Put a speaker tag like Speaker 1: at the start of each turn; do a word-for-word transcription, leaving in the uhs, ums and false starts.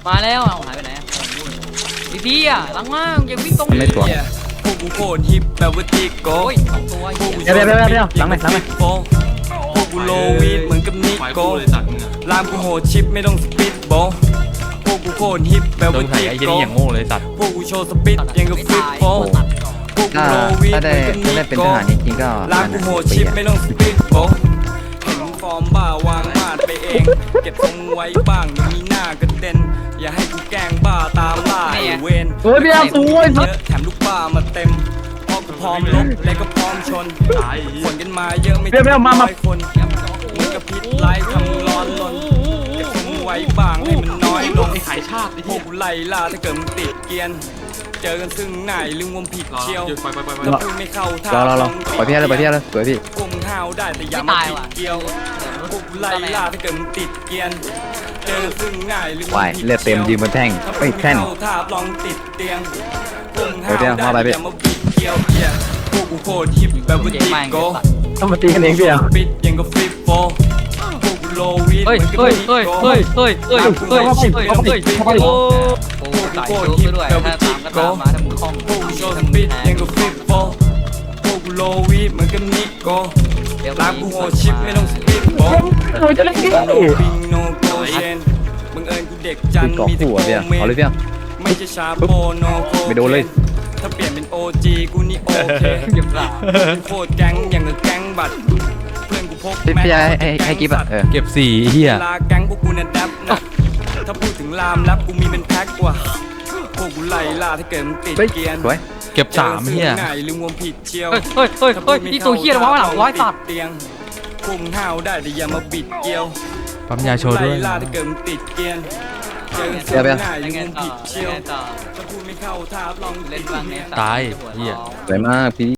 Speaker 1: มาแล้วเอาหายไปไหนดีดีอ่ะหลังมาอย่าวิ่งตรงไม่ตัว
Speaker 2: พวกกูโคตรฮิปแบบว่าติโก้
Speaker 1: สองตัว
Speaker 3: เดี๋ยวเดี๋ยวเดี๋ยวหลังไหนหลังไหน
Speaker 2: พวกกูโลวีดเหมือนกับนิโก้ลามกูโหดชิปไม่ต้องสปิดโบพวกกูโคตรฮิปแบบว่าติโก้
Speaker 4: อย่างโง่เลยตัด
Speaker 2: พวกกูโชว์สปิดยังกับฟิปโบพวกกูโลวีดเหมือนกับนิโก้ลามกูโหดชิปไม่ต้องสปิดโบเห็นฟอร์มบ้าวางมาดไปเองเก็บทรงไว้บ้างมีหน้ากระเด็นอย่าให้กูแกล้งบ้าตามล่าไอเวน
Speaker 3: เฮ้ยพี่อาสวย
Speaker 2: เยอะแถมลูกบ้ามาเต็มพอกูพร้อมลบและก็พร้อมชนคนกันมาเยอะไม่ถึงร้อยคนมึงกับพิษไล่ทำร้อนลนเก็บทรงไว้บ้างให้มันน้อยลง
Speaker 4: ขายชาติ
Speaker 2: พวกกูไล่ล่าถ้าเกิดมึงติดเกียนเจอกันซึ่งไหนลืมวมผิดเชียวถ้าพูดไม่เข้าท่าร
Speaker 3: อรอรอปล่อยพี่เลยปล่อยพี่เลยสวยพี่
Speaker 2: พวกมึงห้าวได้แต่อย่ามาผิดเกี่ยวพวกกูไล่ล่าถ้าเกิดมึงติดเกียนเจอซึ่งง่ายหรือ
Speaker 3: วายเลือดเต็มยืนบนแท่งไอ้แท่น
Speaker 2: ถ้าลองติดเตียงพวกมึงห้าวได้อย่ามาบิดเกี่ยวพวกกูโคตรฮิปแบบว่าติโก้
Speaker 3: ต้องมาตีกันเองพี่อ่ะ
Speaker 2: ปิดยังก็ฟิปโฟพวกกูโลวีด
Speaker 1: เฮ้ยเฮ้ยเฮ้ยเฮ้ยเฮ้ยเฮ้ยเฮ้ยเฮ้ยเฮ้ยเฮ้ยโอ้โหตายโจ้ด้วยถ้าตามก็ตามมาทำคล่อง
Speaker 2: พวกกูโชว์สปิดยังก็ฟิปโฟพวกกูโลวีดเหมือนกับนิโก้ลากกูโหดชิปไม่ต้องสปิดโฟโนบิงโนโกเชนมึงเอิญกูเด็กจันมีแต่โกเมนไม่ใช่ชาโปโนโก
Speaker 3: ไม่โดนเลย
Speaker 2: ถ้าเปลี่ยนเป็น โอ จี กูนี่โอเคเก็บหลักโคตรแก๊งอย่างกับแก๊งบัตรเพื่อนกูพก
Speaker 3: แม่ให้ให้กิ๊บอ่ะ
Speaker 4: เก็บสี่เฮีย
Speaker 2: ลาแก๊งพวกกูเนี่ยดับนะถ้าพูดถึงลามลับกูมีเป็นแพ็กกว่าพวกกูไล่ล่าถ้าเกิดมึงติดเกียน
Speaker 4: เก็บสามเฮีย
Speaker 2: ลืมวมผิดเชียว
Speaker 1: เฮ้ยเฮ้ยเฮ้ยเฮ้ยนี่ตัวเฮียร้อยหลังร้อยสัตว์
Speaker 2: เตียงพวกมึงห้าวได้แต่อย่ามาบิดเกี่ยว
Speaker 4: ปั๊มยาโชว์ด้วย
Speaker 2: ไล่ล่าถ้าเกิดมึงติดเกียนเจอเสือง่ายลืมวมผิดเชียวถ้าพูดไม่เข้าท่าลอง
Speaker 1: เล่นบ้างเนี่ย
Speaker 4: ตายเฮีย
Speaker 3: สวยมากพี่